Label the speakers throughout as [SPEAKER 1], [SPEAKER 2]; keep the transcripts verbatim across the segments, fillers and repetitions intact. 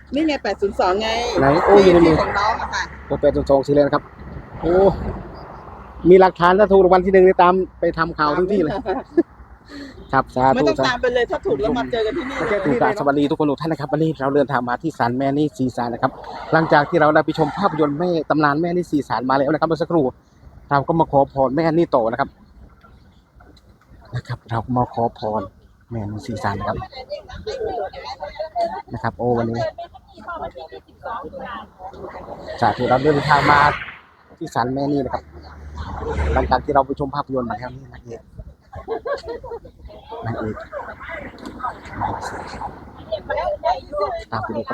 [SPEAKER 1] นี่ไงแปดศูนย์สองไง
[SPEAKER 2] ไหนโอ้ยในมือ
[SPEAKER 1] ของน้องอะค่ะ
[SPEAKER 2] โอ้แปดศูนย์สองสีเลยนะครับโอ้มีหลักฐานถ้าถูกรางวัลที่หนึ่งนี่ตามไปทำข่าวทุกที่เลยครับสาธุ
[SPEAKER 1] ไม่ต้องตามไปเลยถ้าถูกแล้วมาเจอกันที่นี่เลย
[SPEAKER 2] ถูกสวัสดีทุกคนทุกท่านนะครับวันนี้เราเดินทางมาที่ศาลแม่นี่สีสารนะครับหลังจากที่เราได้ไปชมภาพยนตร์แม่ตำนานแม่นี่สีสารมาแล้วนะครับเมื่อสักครู่เราก็มาขอพรแม่นี่โตนะครับนะครับเรามาขอพรแม่นี่สีสารนะครับนะครับโอ้วันนี้สาธุเราเดินทางมาที่ศาลแม่นี่นะครับหลังจากที่เราไปชมภาพยนตร์มาแล้วนี่นางเอกนางเอกตามไปดูครับ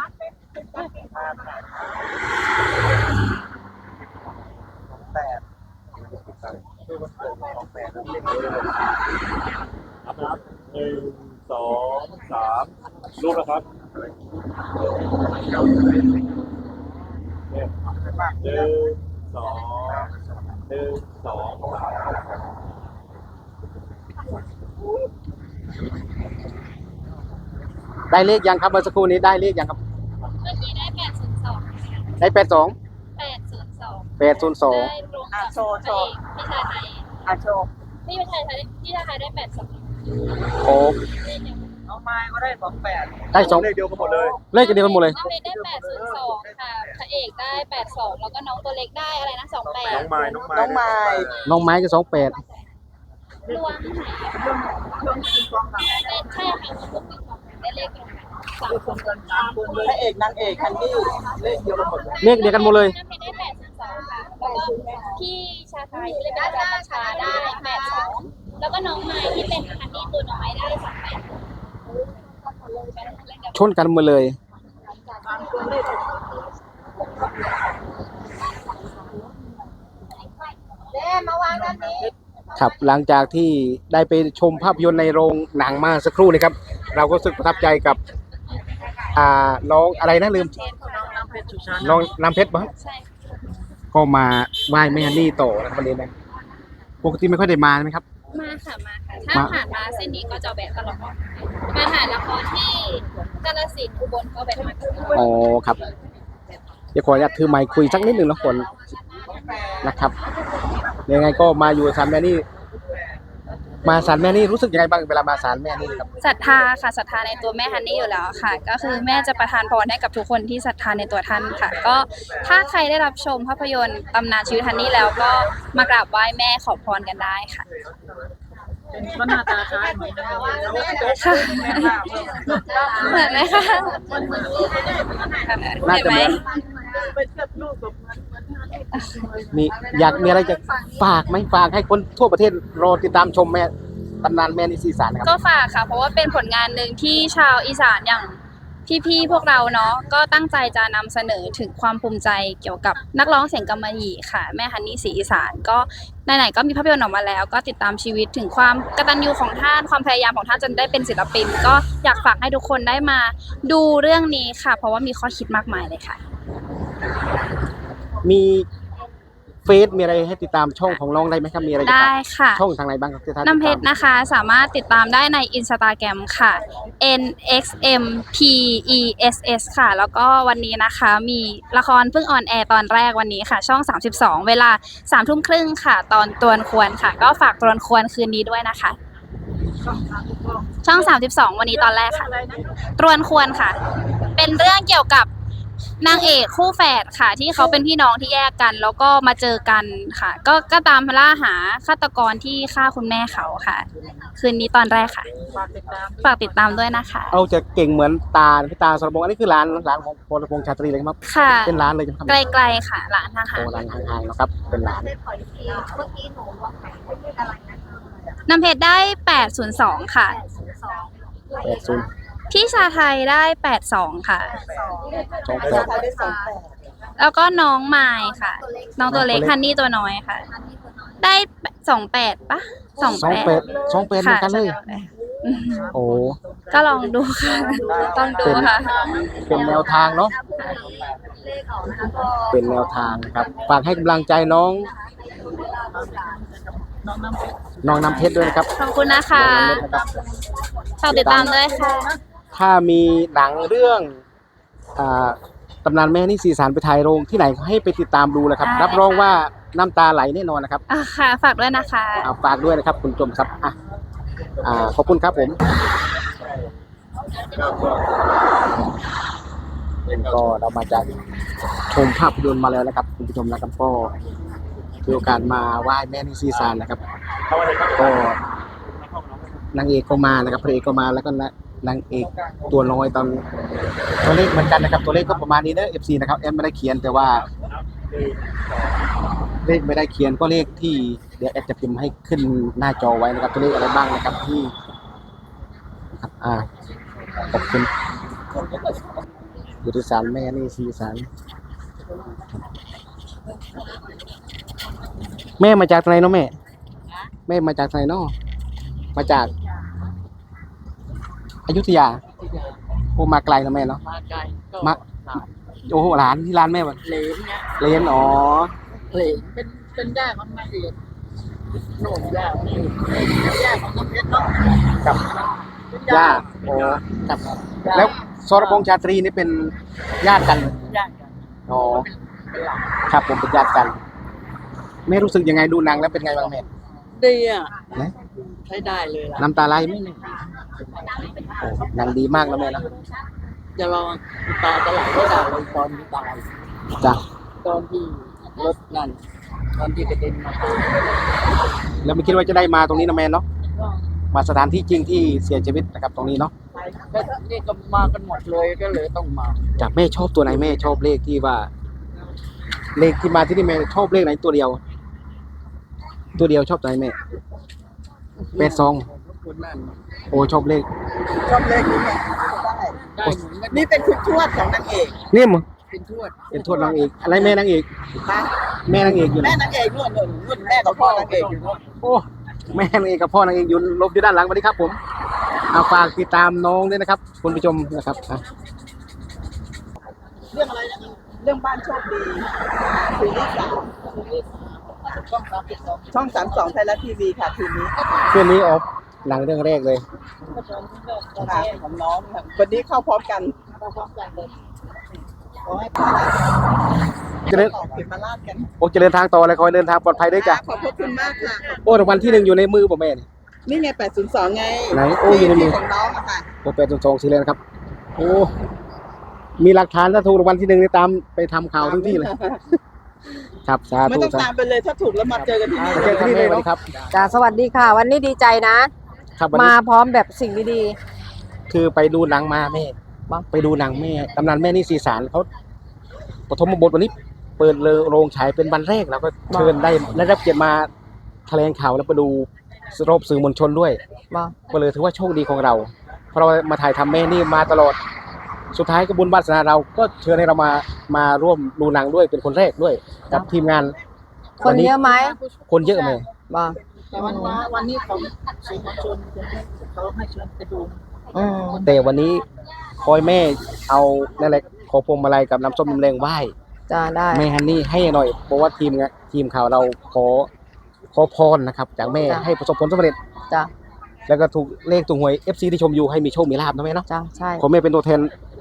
[SPEAKER 3] ครับหนึ่งสองสามรูปนะครับเนี่ยหนึ่งสองหนึ่งสองสาม
[SPEAKER 2] ได้เลขยังครับเมื่อสักครู่นี้ได้เลขยังครับ
[SPEAKER 4] เมื่อกี้ได้แปดศูนย์สอง
[SPEAKER 2] ได้แปดสอง
[SPEAKER 4] แปดศูนย์สอง
[SPEAKER 2] แปดศูนย์สอง
[SPEAKER 4] ได้รวมกับพระเอกพี่ชายไทย
[SPEAKER 1] อาโชว์
[SPEAKER 4] พี่ชายไทยพี่ชายไทยได้แปดสอง
[SPEAKER 2] โอ้
[SPEAKER 1] น้องไม้ก็ได้สองแปด
[SPEAKER 2] ได้สอง
[SPEAKER 3] เลขเดียวกันหมดเลย
[SPEAKER 2] เลขเดียวกันหมดเลย
[SPEAKER 4] น้องเมย์ได้แปดศูนย์สองค่ะพระเอกได้แปดสองแล้วก็น้องตัวเล็กได้อะไรนะสองแปด
[SPEAKER 3] น้องไม้น้องไม้
[SPEAKER 1] น้องไม้
[SPEAKER 2] น้องไม้ก็สองแปด
[SPEAKER 4] รวมเป็นใช่ค่ะรวมเป็นของได้เลขรวมสามคน
[SPEAKER 1] พระเอกนางเอกคันดี้เลขเดียวกันหมดเลย
[SPEAKER 2] เลขเดียวกันหมดเลย
[SPEAKER 4] น้องเมย์ได้แปดศูนย์สองค่ะแล้วก็พี่ชาไทยที่เล่นเป็นอาจารย์ประชาได้แปดสองแล้วก็น้องไม้ที่เป็นคันดี้ตัวน้อยได้สองแปด
[SPEAKER 2] ชนกันหมดเลยครับหลังจากที่ได้ไปชมภาพยนตร์ในโรงหนังมาสักครู่นะครับเราก็รู้สึกประทับใจกับอ่าน้องอะไรนะลืมน้องน้ำเพชรบ้างก็มาไหว้แม่นี่โตนะครับวันนี้นะปกติไม่ค่อยได้มาใช่ไหมครับ
[SPEAKER 4] มาค่ะมาค่ะถ้าผ่านมาเส้นนี้ก็จะแวะตลอดมาถ่ายละครที่กาฬสินธุ์อุบลก็แวะมาตลอด
[SPEAKER 2] อ๋อครับเดี๋ยวขออนุญาตถือไมค์คุยสักนิดหนึ่งนะคนนะครับยังไงก็มาอยู่ศาลแม่นี่มาศาลแม่นี่รู้สึกยังไงบ้างเวลามาศาลแม่นี่ครับ
[SPEAKER 4] ศรัทธาค่ะศรัทธาในตัวแม่ฮันนี่อยู่แล้วค่ะก็คือแม่จะประทานพรให้กับทุกคนที่ศรัทธาในตัวท่านค่ะก็ถ้าใครได้รับชมภาพยนตร์ตำนานชีวิตฮันนี่แล้วก็มากราบไหว้แม่ขอพรกันได้ค่ะ
[SPEAKER 1] ก็หน้าตาคล้ายเหมือนกัน
[SPEAKER 4] ค่ะเหมือนไหมคะ
[SPEAKER 2] น่าจะเหมือนมีอยากมีอะไรจะฝากไหมฝากให้คนทั่วประเทศรอติดตามชมแม่ตำนานแม่นี่สีสารนะครับ
[SPEAKER 4] ก็ฝากค่ะเพราะว่าเป็นผลงานหนึ่งที่ชาวอีสานอย่างพี่ๆพวกเราเนาะก็ตั้งใจจะนำเสนอถึงความภูมิใจเกี่ยวกับนักร้องเสียงกำมะหยี่ค่ะแม่ฮันนี่ศรีอีสานก็ไหนๆก็มีภาพยนตร์ออกมาแล้วก็ติดตามชีวิตถึงความกตัญญูของท่านความพยายามของท่านจนได้เป็นศิลปินก็อยากฝากให้ทุกคนได้มาดูเรื่องนี้ค่ะเพราะว่ามีข้อคิดมากมายเลยค่ะ
[SPEAKER 2] มีเฟซมีอะไรให้ติดตามช่องของน้องได้ไหมครับมีอะไร
[SPEAKER 4] ได้ค่ะ
[SPEAKER 2] ช่องทางไหนบ้างครับ
[SPEAKER 4] น้ำเพชรนะคะสามารถติดตามได้ใน Instagram ค่ะ n x m p e s s ค่ะแล้วก็วันนี้นะคะมีละครเพิ่งออนแอร์ตอนแรกวันนี้ค่ะช่องสามสิบสองเวลาสามทุ่มครึ่งค่ะตอนตวนควรค่ะก็ฝากตวนควรคืนนี้ด้วยนะคะช่องสามสิบสองวันนี้ตอนแรกค่ะตวนควรค่ะเป็นเรื่องเกี่ยวกับนางเอกคู่แฝดค่ะที่เขาเป็นพี่น้องที่แยกกันแล้วก็มาเจอกันค่ะก็ก็ตามล่าหาฆาตกรที่ฆ่าคุณแม่เขาค่ะคืนนี้ตอนแรกค่ะฝากติดตามด้วยนะคะ
[SPEAKER 2] เอาจะเก่งเหมือนตาพี่ตาสรพงษ์อันนี้คือร้านร้านของพลพงษ์ชาตรีเลยครับ
[SPEAKER 4] ค่ะ
[SPEAKER 2] เป็นร้านเลยใช่ไหมครับ
[SPEAKER 4] ไกลๆค่ะร้านห่างๆ
[SPEAKER 2] ร้านห่างๆนะครับเป็นร้าน
[SPEAKER 4] น้ำเพชรได้แปดศูนย์สองค่ะ
[SPEAKER 2] แปดศูนย์
[SPEAKER 4] พี่ชาไทยได้แปดสองค่ะ
[SPEAKER 2] สองแปด
[SPEAKER 4] แล้วก็น้องไมค์ค่ะน้องตัวเล็กฮันนี่ตัวน้อยค่ะได้สองแปดปะสองแปด
[SPEAKER 2] สองแปดเหมือนกันเลยโอ้
[SPEAKER 4] ก็ลองดูค่ะต้องดูค่ะ
[SPEAKER 2] เป็นแนวทางเนาะเป็นแนวทางครับฝากให้กำลังใจน้องน้องน้ำเพชรด้วยนะครับ
[SPEAKER 4] ขอบคุณนะคะฝากติดตามด้วยค่ะ
[SPEAKER 2] ถ้ามีหนังเรื่องอ่าตำนานแม่นี่สีสารไปถ่ายโรงที่ไหนให้ไปติดตามดูนะครับ รับรองว่าน้ำตาไหลแน่นอนนะครับ
[SPEAKER 4] อ่ะค่ะฝากด้วยนะคะ
[SPEAKER 2] อ่าฝากด้วยนะครับคุณผู้ชมครับอ่ะอ่าขอบคุณครับผมก็เรามาจากชมภาพยนตร์มาแล้วนะครับคุณผู้ชมนะครับก็มีโอกาสมาไหว้แม่นี่สีสารนะครับก็นางเอกก็มานะครับพระเอกก็มาแล้วก็นางเอกตัวน้อยตอนตัวเลขเหมือนกันนะครับตัวเลขก็ประมาณนี้นะ เอฟ ซี นะครับแอดไม่ได้เขียนแต่ว่าเลขไม่ได้เขียนก็เลขที่เดี๋ยวแอดจะพิมพ์ให้ขึ้นหน้าจอไว้นะครับตัวเลขอะไรบ้างนะครับที่ครับอ่าขอบคุณอยู่ที่ศาลแม่นี่สีสารแม่มาจากไหนเนาะแม่แม่มาจากไหนเนาะมาจากอยุธยาโอ้มาไกลนะแม่เนาะ
[SPEAKER 1] มาไกลก็
[SPEAKER 2] มาโอ้โหร้านที่ร้านแม่วะ
[SPEAKER 1] เหลนเนี่ย
[SPEAKER 2] เรียนอ๋อ
[SPEAKER 1] เหลนเป็นเป็นย่าของนางเอกโหน่มย่านี่ย่าของน้ำเพชรเนาะ
[SPEAKER 2] กับ
[SPEAKER 1] เป็น
[SPEAKER 2] ย่าโอ้กับแล้วสรพงษ์ชาตรีนี่เป็นญาติกัน
[SPEAKER 1] ย่ากัน
[SPEAKER 2] อ๋อ
[SPEAKER 1] เป็นหลัก
[SPEAKER 2] ครับผมเป็นญาติกันแม่รู้สึกยังไงดูหนังแล้วเป็นไงบ้างแม่
[SPEAKER 1] ดีอ่ะ
[SPEAKER 2] นะ
[SPEAKER 1] ใช้ได้เลยล่ะ
[SPEAKER 2] น้ำตาไหลไหมแม่โอ้หนังดีมากแล้วแม่นะ
[SPEAKER 1] จะลองตาจะไหลได้ด่าเลยตอนที่ตาย
[SPEAKER 2] จ้ะ
[SPEAKER 1] ตอนที่รถนั่นตอนที่กระเด็นมา
[SPEAKER 2] แล้วไม่คิดว่าจะได้มาตรงนี้นะแม่เนาะมาสถานที่จริงที่เสียชีวิตนะครับตรงนี้เนาะ
[SPEAKER 1] ก็นี่ก็มากันหมดเลยก็เลยต้องมา
[SPEAKER 2] จากแม่ชอบตัวไหนแม่ชอบเลขที่ว่า เลขที่มาที่นี่แม่ชอบเลขไหนตัวเดียว ตัวเดียวชอบตัวไหนแม่แปดสอง
[SPEAKER 1] คุณนั่น
[SPEAKER 2] โอ้ชอบเลข
[SPEAKER 1] ชอบเลขนี้ไงได้ได้เหมือนกันนี่เป็นคุณทวดของนางเอก
[SPEAKER 2] เนี่ยมั้ง
[SPEAKER 1] เป็นทวด
[SPEAKER 2] เป็นทวดนางเอกอะไรแม่นางเอก
[SPEAKER 1] นะ
[SPEAKER 2] แม่นางเอกอยู่ไหน
[SPEAKER 1] แม่นางเอกนู่นนู่นนู่นแม่กับพ่อนางเอกอยู่นู่น
[SPEAKER 2] โอ้แม่นางเอกกับพ่อนางเอกอยู่ลบอยู่ด้านหลังสวัสดีครับผมเอาฝากติดตามน้องด้วยนะครับคุณผู้ชมนะครับอ่ะ
[SPEAKER 1] เรื่องอะไรนะเรื่องบ้านโชคดีซีรีส์สามช่องสามสิบสองช่องสามสองไทยรัฐทีวีค่ะคืนนี้
[SPEAKER 2] คืนนี้ออกหนังเรื่องแรกเลย
[SPEAKER 1] ค่ะของน้องค่ะวันนี้เข้าพร้อมกันเข้าพร้อมกันเลยขอให้พา
[SPEAKER 2] จะเดิน
[SPEAKER 1] ต่อเก็บมาลาดกัน
[SPEAKER 2] โอ้จะเดินทางต่อเลยคอยเดินทางปลอดภัยด้วยจ้ะ
[SPEAKER 1] ขอบพระคุณมากค่ะ
[SPEAKER 2] โอ้รางวัลที่หนึ่งอยู่ในมือผมแม่นี่
[SPEAKER 1] นี่ไงแปดศูนย์สองไง
[SPEAKER 2] ไหนโอ้อยู่ในมือ
[SPEAKER 1] ที่ของน้องอะค่ะ
[SPEAKER 2] โอ้แปดสองสี่เลยนะครับโอ้มีหลักฐานถ้าถูกรางวัลที่หนึ่งนี่ตามไปทำข่าวทุกที่เลยครับสา
[SPEAKER 1] ไม่
[SPEAKER 2] ธุ
[SPEAKER 1] ต้อง
[SPEAKER 2] สา
[SPEAKER 1] ตามไปเลยถ้าถูกแล้วมาเจอกันที่นี่
[SPEAKER 2] ธุเจอที่นี่เลยครับ
[SPEAKER 5] จ้าสวัสดีค่ะ วันนี้ดีใจนะ
[SPEAKER 2] ครับวัน
[SPEAKER 5] มา
[SPEAKER 2] นี้
[SPEAKER 5] พร้อมแบบสิ่งดี
[SPEAKER 2] คือไปดูหนังมาแม่
[SPEAKER 5] บ้าง
[SPEAKER 2] ไปดูหนังแม่ตำนานแม่นี่สีสารเขาปฐมบทวันนี้เปิดเลยโรงฉายเป็นวันแรกแล้วก็เชิญได้ได้รับเกียรติมาแถลงข่าวแล้วไปดูรอบสื่อมวลชนด้วย
[SPEAKER 5] ๆบ่
[SPEAKER 2] ก็เลยถือว่าโชคดีของเรา เพราะเรามาถ่ายทำแม่นี่มาตลอดสุดท้ายก็บุญวาสนาเราก็เชิญให้เรามามาร่วมดูหนังด้วยเป็นคนแรกด้วยกับทีมงาน
[SPEAKER 5] คนเยอะไหม
[SPEAKER 2] คนเยอะไหม
[SPEAKER 5] บ่
[SPEAKER 1] แต่วันวาวันนี้ของสื่อมวลชนเขาให้เชิญไปดู
[SPEAKER 5] อืม
[SPEAKER 2] แต่วันนี้คอยแม่เอานั่นแหละขอพวงมาลัยกับน้ำส้มน้ำแรงไหว้
[SPEAKER 5] จ้าได้
[SPEAKER 2] แม่ฮันนี่ให้หน่อยเพราะว่าทีมงานทีมข่าวเราขอขอพรนะครับจากแม่ให้ประสบผลสำเร็จ
[SPEAKER 5] จ้า
[SPEAKER 2] แล้วก็ถูกเลขถูกหวย เอฟ ซี ที่ชมอยู่ให้มีโชคมีลาภนะแม่เนาะ
[SPEAKER 5] จ้าใช่
[SPEAKER 2] ขอแม่เป็นตัวแทน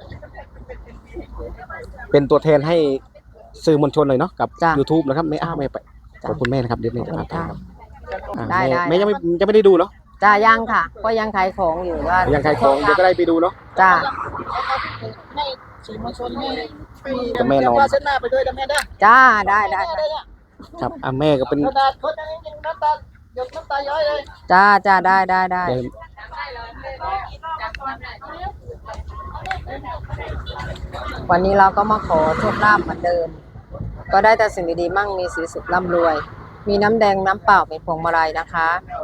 [SPEAKER 2] เป็นตัวแทนให้สื่อมวลชนหน่อยเนาะกับ
[SPEAKER 5] จ้า
[SPEAKER 2] YouTube นะครับแม่อ้าแม่ไป
[SPEAKER 5] จ้ะ
[SPEAKER 2] ขอบคุณแม่นะครับเดี๋ยวแม่จะพาไป
[SPEAKER 5] จ้า
[SPEAKER 2] ครับอ่า
[SPEAKER 5] ได้
[SPEAKER 2] แม่
[SPEAKER 5] ได้
[SPEAKER 2] แม่ยังไม่ยังไม่ได้ดูเนาะ
[SPEAKER 5] จ้ายังค่ะ ก็ยังขายของอยู่ว่า
[SPEAKER 2] ยังขายของเดี๋ยวก็ได้ไปดูเนาะ
[SPEAKER 5] จ้า
[SPEAKER 1] ให้สื่อมวลชนให้ให้
[SPEAKER 2] จะแม่นอน
[SPEAKER 1] ว่าเส้นหน้าไปด้วยนะแม่ได้
[SPEAKER 5] จ้าได้ได้ได้
[SPEAKER 2] ครับอ่าแม่ก็เป็น
[SPEAKER 1] กระดาษคนนั้นจริงๆน้ำตาหยดน้ำตาย้อยเลย
[SPEAKER 5] จ้าจ้าได้ได้ได้
[SPEAKER 2] เดี๋ยว
[SPEAKER 5] วันนี้เราก็มาขอโชคลาภเหมือนเดิม ก็ได้แต่สิ่งดีๆมั่งมีสีสุขร่ำรวย มีน้ำแดงน้ำเปล่าเป็นพวงมาลัยนะคะ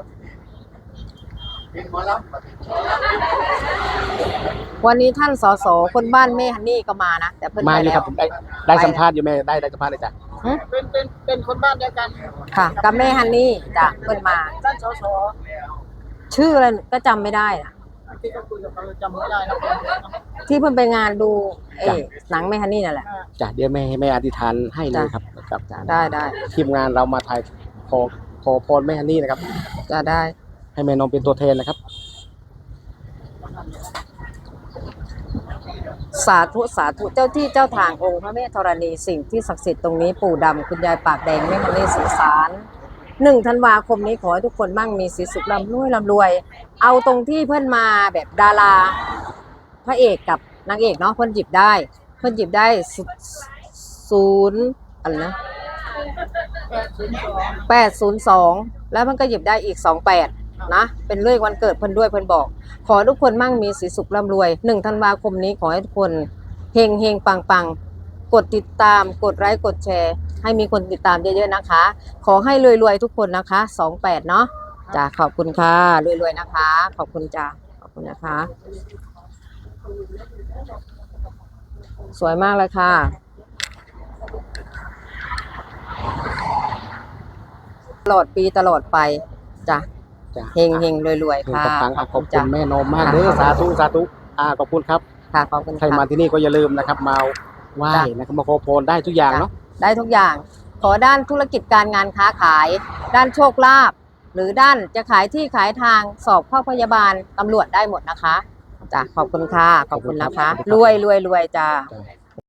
[SPEAKER 5] วันนี้ท่านสสคนบ้านแม่ฮันนี่ก็มานะแต่เพิ่น
[SPEAKER 2] มา
[SPEAKER 5] ไป
[SPEAKER 2] อยู่
[SPEAKER 5] แล้
[SPEAKER 2] ครับ
[SPEAKER 5] ว
[SPEAKER 2] ผมได้ได้สัมภาษณ์อยู่แม่ได้ได้สัมภาษณ์เลยจ้ะ
[SPEAKER 5] หึ
[SPEAKER 1] เป็นเป็นเป็นคนบ้านเดียวกัน
[SPEAKER 5] ค่ะ กับแม่ฮันนี่จ้ะเพิ่นมา
[SPEAKER 1] ท่านสส
[SPEAKER 5] ชื่ออะไรก็จำไม่ได้นะ
[SPEAKER 1] ที่เขาคุยกับเราจำไม่ได้นะ
[SPEAKER 5] ที่เพิ่นไปงานดูเออหนังแม่ฮันนี่นั่นแหละ
[SPEAKER 2] จ้ะเดี๋ยวแม่ให้แม่อธิษฐานให้เลยครับกับ
[SPEAKER 5] จ้ะได้ได้
[SPEAKER 2] ทีมงานเรามาถ่ายขอขอพรแม่ฮันนี่นะครับ
[SPEAKER 5] จะได้
[SPEAKER 2] ให้แม่นมเป็นตัวแทนนะครับ
[SPEAKER 5] สาธุสาธุเจ้าที่เจ้าทางองค์พระแม่ธรณีสิ่งที่ศักดิ์สิทธิ์ตรงนี้ปู่ดำคุณยายปากแดงแม่มณีสีสารหนึ่งธันวาคมนี้ขอให้ทุกคนมั่งมีสีสุขร่ำรวยร่ำรวย เอาตรงที่เพื่อนมาแบบดาราพระเอกกับนางเอกเนาะเพื่อนหยิบได้เพื่อนหยิบได้ศูนย์อะไรนะแปดศูนย์สองแล้วมันก็หยิบได้อีกสองแปดนะเป็นเลขวันเกิดเพื่อนด้วยเพื่อนบอกขอทุกคนมั่งมีสีสุขร่ำรวยหนึ่งธันวาคมนี้ขอให้ทุกคนเฮงเฮงปังปังกดติดตามกดไลค์กดแชร์ให้มีคนติดตามเยอะๆนะคะขอให้รวยๆทุกคนนะคะสองแปดเนาะจ้ะขอบคุณค่ะรวยๆนะคะขอบคุณจ้ะขอบคุณนะคะสวยมากเลยค่ะตลอดปีตลอดไปจ้ะ
[SPEAKER 2] จ้ะ
[SPEAKER 5] เฮงเฮงรวย
[SPEAKER 2] เฮง
[SPEAKER 5] ๆค่ะ
[SPEAKER 2] ปังๆอ่ะขอบคุ
[SPEAKER 5] จ้ะ
[SPEAKER 2] ณแม่นมมากเด้อสาธุสาธุอ่าขอบคุณครับ
[SPEAKER 5] ค่ะขอบคุณ
[SPEAKER 2] ใครมา
[SPEAKER 5] ค่ะ
[SPEAKER 2] ที่นี่ก็อย่าลืมนะครับมาไหว้
[SPEAKER 5] จ้ะ
[SPEAKER 2] นะครับมาขอพรได้ทุกอย่างเนาะ
[SPEAKER 5] ได้ทุกอย่าง ขอด้านธุรกิจการงานค้าขาย ด้านโชคลาภหรือด้านจะขายที่ขายทางสอบเข้าพยาบาลตำรวจได้หมดนะคะจ้ะขอบคุณค่ะขอบคุณนะคะ รวยรวยรวยจ้า
[SPEAKER 2] จ้ะ